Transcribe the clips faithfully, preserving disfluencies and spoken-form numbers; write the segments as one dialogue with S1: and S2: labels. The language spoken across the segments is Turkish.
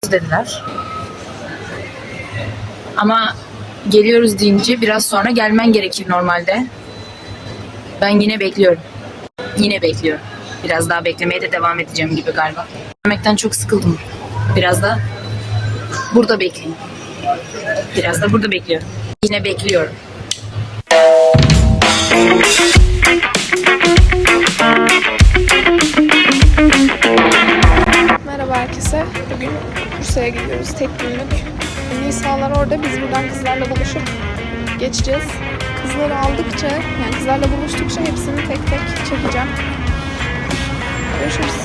S1: dediler. Ama geliyoruz deyince biraz sonra gelmen gerekir normalde. Ben yine bekliyorum. Yine bekliyorum. Biraz daha beklemeye de devam edeceğim gibi galiba. Beklemekten çok sıkıldım. Biraz da burada bekleyeyim. Biraz da burada bekliyorum. Yine bekliyorum.
S2: Merhaba herkese. Bugün Bursa'ya gidiyoruz. Tek günlük. Nisalar orada. Biz buradan kızlarla buluşup geçeceğiz. Kızları aldıkça, yani kızlarla buluştukça hepsini tek tek çekeceğim. Görüşürüz.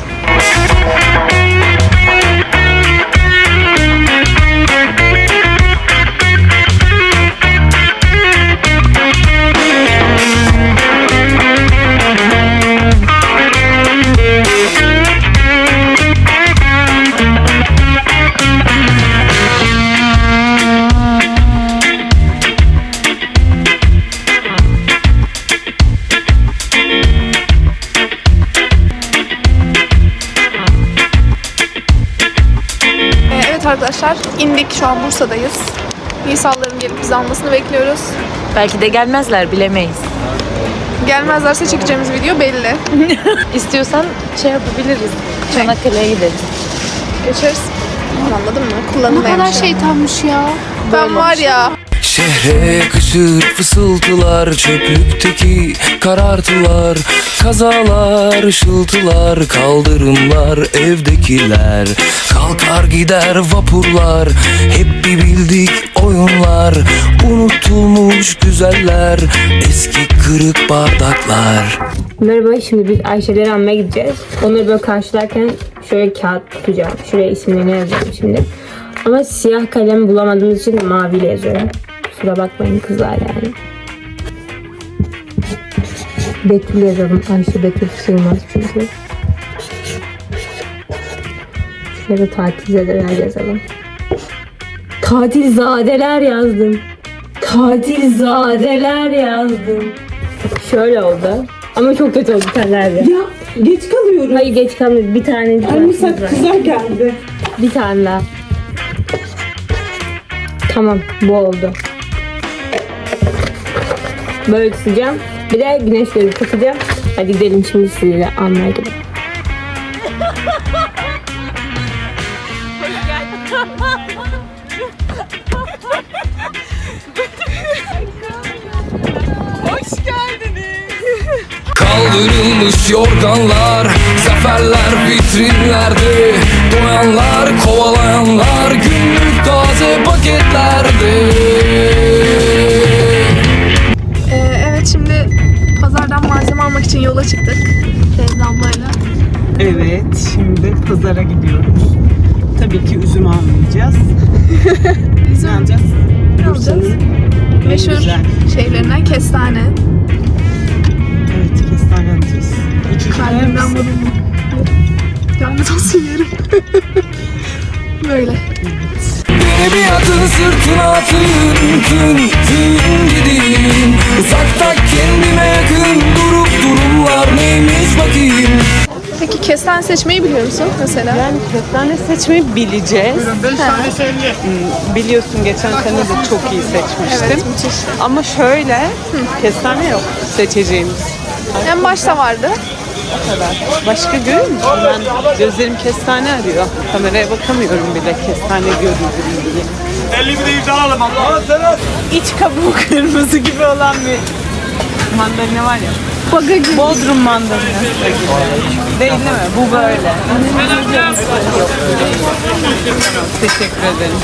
S2: Arkadaşlar indik, şu an Bursa'dayız. Nisalların gelip bizi almasını bekliyoruz.
S1: Belki de gelmezler, bilemeyiz.
S2: Gelmezlerse çekeceğimiz video belli.
S1: İstiyorsan şey yapabiliriz. Çanakkale'ye gideriz.
S2: Geçeriz. Anladın mı? Kullanılmayan
S3: Ne kadar şeytanmış ya.
S2: Ben var ya.
S4: Şehre yakışır fısıltılar, çöplükteki karartılar, kazalar, ışıltılar, kaldırımlar, evdekiler, kalkar gider vapurlar, hep bir bildik oyunlar, unutulmuş güzeller, eski kırık bardaklar.
S5: Merhaba, şimdi biz Ayşe'leri almaya gideceğiz. Onları böyle karşılarken şöyle kağıt tutacağım. Şuraya isimlerini yazacağım şimdi. Ama siyah kalem bulamadığımız için maviyle yazıyorum. Kusura bakmayın kızlar yani. Betül yazalım. Ayşe Betül sığmaz çünkü. Şuraya da tatilzadeler yazalım. Tatilzadeler yazdım. Tatilzadeler yazdım. Şöyle oldu. Ama çok kötü oldu senlerde.
S6: Ya geç kalıyorum.
S5: Hayır geç kalmadı. Bir tane.
S6: Anne saat kızar geldi.
S5: Bir tane daha. Tamam, bu oldu. Böyle tutacağım. Bir de güneşleri takacağım. Hadi gidelim şimdi sizinle almaya gidelim.
S2: Hoş geldiniz.
S4: Kaldırılmış yorganlar, zaferler vitrinlerde, doyanlar, kovalayanlar, günlük taze paketlerde.
S2: Ee, evet, şimdi pazardan malzeme almak için yola çıktık. Feyza ablayla.
S6: Evet, şimdi pazara gidiyoruz. Tabii ki üzüm almayacağız.
S2: Üzüm
S6: Ne alacağız?
S2: Ne alacağız?
S6: En
S2: Meşhur
S6: güzel.
S2: şeylerinden kestane.
S6: Evet, kestane alacağız. İki kilo yer
S2: Kalbimden
S6: misin?
S2: vuruldu. Lanet olsun yerim. Böyle.
S4: Beni bir atın sırtına atın, tın tın gideyim. Uzakta kendime yakın durup durumlar neymiş bakayım.
S2: Peki kestane seçmeyi biliyor musun mesela?
S6: Yani kestane seçmeyi bileceğiz. Hmm, Biliyorsun geçen sene de çok iyi seçmiştim.
S2: Evet, müthiş.
S6: Ama şöyle, kestane yok seçeceğimiz.
S2: En başta vardı.
S6: O kadar. Başka görüyor musun? Ben gözlerim kestane arıyor. Kameraya bakamıyorum bile kestane görüyorum diye.
S7: elli bir de yüz alalım Allah.
S6: İç kabuğu kırmızı gibi olan bir mandalina var ya.
S2: Baga gibi.
S6: Bodrum mandalina. Değil mi? Bu böyle. Yok. Teşekkür ederim.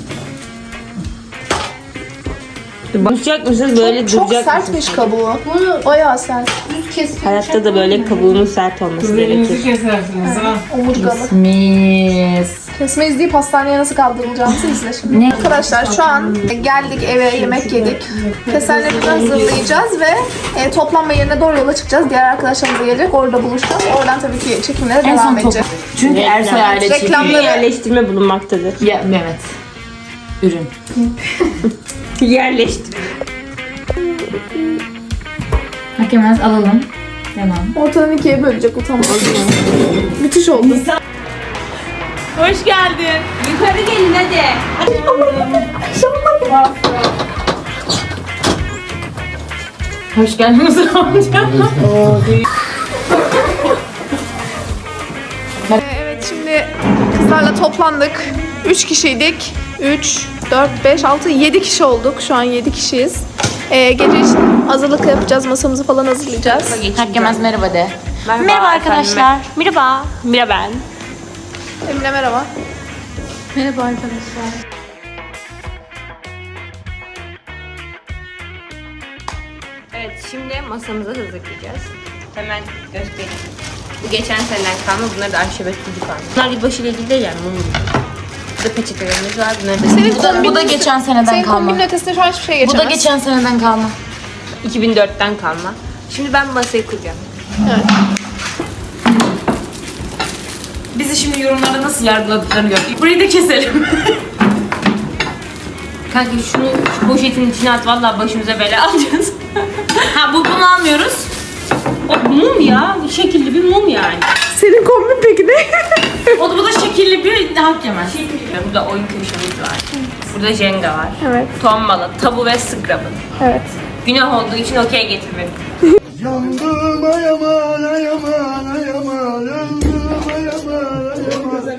S5: Duracak mısınız? Böyle
S2: Çok
S5: duracak mısınız?
S2: sertmiş kabuğu. Bayağı sert.
S5: Hayatta da böyle kabuğunun sert olması gerekir.
S2: Omurgalı.
S1: Mis.
S2: Kesme izleyip hastaneye nasıl kaldırılacağımızı izle şimdi.
S1: Ne?
S2: Arkadaşlar şu an geldik eve, yemek yedik. Kesenlerimizi hazırlayacağız ve e, toplanma yerine doğru yola çıkacağız. Diğer arkadaşlarımız da gelecek. Orada buluşacağız. Oradan tabii ki çekimlere
S1: En
S2: devam
S1: son top.
S2: edeceğiz.
S1: Çünkü Ersoy aile çekiyor.
S2: Reklamları
S5: Yerleştirme bulunmaktadır.
S1: Ya Mehmet. Ürün.
S5: Yerleştir.
S1: Hakemez alalım. Tamam.
S2: ortadan ikiye bölecek, utanmaz. Müthiş oldu.
S5: Hoş geldin. Yukarı gelin hadi.
S1: Hoş geldin Mısır amca.
S2: Ee, evet şimdi kızlarla toplandık. Üç kişiydik. Üç, dört, beş, altı, yedi kişi olduk. Şu an yedi kişiyiz. Ee, gece için hazırlık yapacağız. Masamızı falan hazırlayacağız.
S1: Herkemez merhaba de.
S5: Merhaba, arkadaşlar. Merhaba. Merhaba ben.
S2: Emine merhaba.
S1: Merhaba arkadaşlar.
S5: Evet, şimdi masamızı hazırlayacağız. Hemen göstereyim. Bu geçen seneden kalma, bunlar da arşivet gibi kalma. Bunlar yılbaşı ile ilgili değil yani, mum gibi. Burada peçetelerimiz var, bunları da
S2: Senin
S1: Bu da, bu da
S2: kombinin-
S1: geçen seneden
S2: Senin
S1: kalma.
S2: kombinin ötesinde şu an hiçbir şey
S1: Bu
S2: geçemez.
S1: da geçen seneden kalma.
S5: iki bin dörtten kalma. Şimdi ben masayı kuracağım.
S2: Evet.
S1: Bizi şimdi yorumlarda nasıl yargıladıklarını gördük. Burayı da keselim.
S5: Kanka şunu şu poşetin içine at, vallahi başımıza bela alacağız.
S1: Ha bu bunu almıyoruz.
S5: O mum ya, şekilli bir mum yani.
S2: Senin kombin peki ne?
S1: O da bu da şekilli bir hak yemez.
S5: Burada oyun köşemiz var. Burada Jenga var.
S2: Evet.
S5: Tombala, tabu ve Scrabble.
S2: Evet.
S5: Günah olduğu için okey getirmedim.
S7: Yandım ay aman ay aman ay aman. Yandım ay aman ay aman.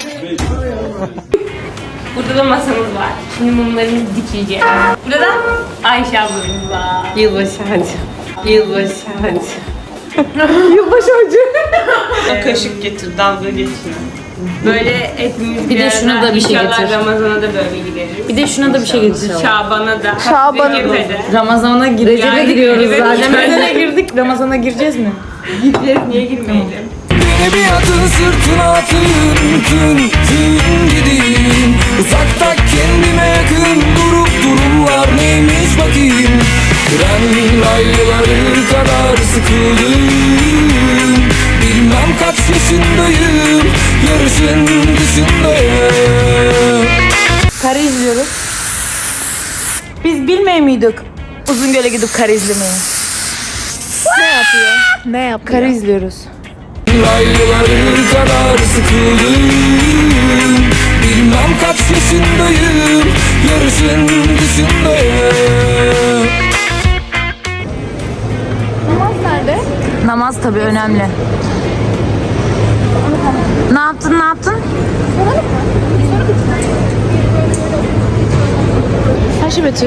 S5: Burada da masamız var. Şimdi mumlarımızı dikeceğiz. Burada da Ayşe ablamız var. Yılbaşı hacı. Yılbaşı hacı.
S2: Yılbaşı acı.
S6: Kaşık getir, dalga geçiyor.
S5: Böyle hepimiz
S1: Bir de
S5: arada
S1: şuna da bir şey
S5: inşallah
S1: getir.
S5: Ramazan'a da böyle gideriz.
S1: Bir de şuna da bir şey getir.
S5: Şaban'a da.
S2: Şaban'a da.
S5: Recep'e de.
S1: Ramazan'a gir Recep'e giriyoruz
S5: Recep'e
S1: zaten.
S5: giriyoruz.
S1: Ramazan'a girdik. Ramazan'a gireceğiz mi?
S5: Gideceğiz, niye girmeyelim?
S4: Beni bir atın sırtına atın, tın tın gideyim. Uzakta kendime yakın durup durumlar neymiş bakayım. Tren rayları kadar sıkıldım. Bilmem kaç yaşındayım, yarışın dışındayım.
S1: Kare izliyoruz. Biz bilmeye miydik Uzungöl'e gidip kare izlemeyi?
S2: Ne yapıyor? Ne yapıyor?
S1: Kare izliyoruz.
S4: Rayları kadar sıkıldım. Bilmem kaç yaşındayım, yarışın dışındayım.
S2: Namaz nerede?
S1: Namaz tabii önemli. Ne yaptın ne yaptın? Ayşe Betül.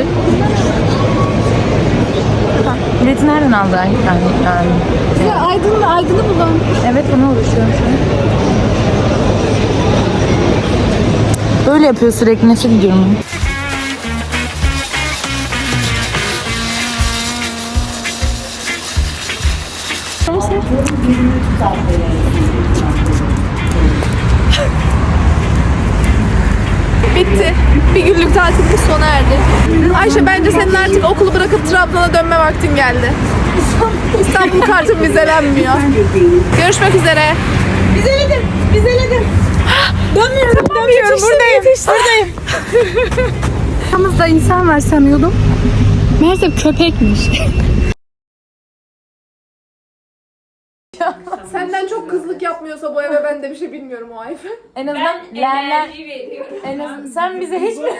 S1: Bileti nereden aldı? Yani, yani.
S2: Ya Aydın da Aydın'ı bulan.
S1: Evet bunu oluşturuyorum şu an. Böyle yapıyor sürekli, nefret ediyorum.
S2: Bitti. Bir günlük tatilimiz sona erdi. Ayşe bence senin artık okulu bırakıp Trabzon'a dönme vaktin geldi. İstanbul kartın vizelenmiyor. Görüşmek üzere. Vizeledim. Vizeledim. Dönmüyorum. Dönmüyorum. Buradayım. Buradayım.
S3: Yanımızda insan var sanıyordum. Meğerse köpekmiş.
S2: Senden çok kızlık yapmıyorsa bu eve ben de bir şey bilmiyorum o Ayfe.
S1: En azından lerler... En azından sen bize hiç mi?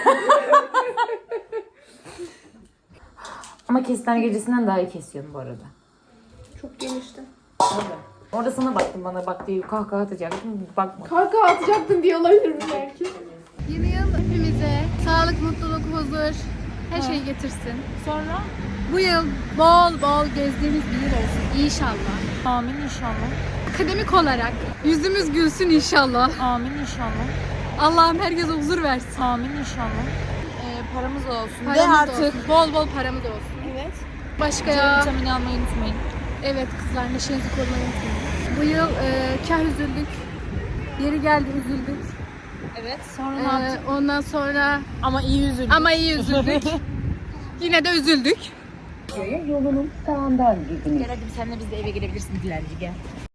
S1: Ama kestane gecesinden daha iyi kesiyorsun bu arada.
S2: Çok genişti.
S1: Orada sana baktım, bana bak diye kahkaha atacaktım. Bakma.
S2: Kanka atacaktın diye olabilir mi belki?
S3: Yeni yıl hepimize sağlık, mutluluk, huzur, her şeyi getirsin. Sonra? Bu yıl bol bol gezdiğimiz bir yıl olsun inşallah.
S1: Amin inşallah.
S3: Akademik olarak yüzümüz gülsün inşallah.
S1: Amin inşallah.
S3: Allah'ım herkese huzur versin.
S1: Amin inşallah. Ee, paramız olsun.
S3: Paramız
S1: Ve
S3: da
S1: artık
S3: olsun. Bol bol paramız olsun.
S2: Evet.
S3: Başka
S1: C
S3: ya.
S1: vitamini almayı unutmayın.
S3: Evet kızlar neşenizi korumayı unutmayın. Bu yıl e, kah üzüldük. Yeri geldi üzüldük.
S1: Evet. Sonra ne
S3: E,
S1: yaptık?
S3: ondan sonra
S1: Ama iyi üzüldük.
S3: ama iyi üzüldük. Yine de üzüldük.
S1: Gel hadi senle biz de eve girebilirsin dilenci gel.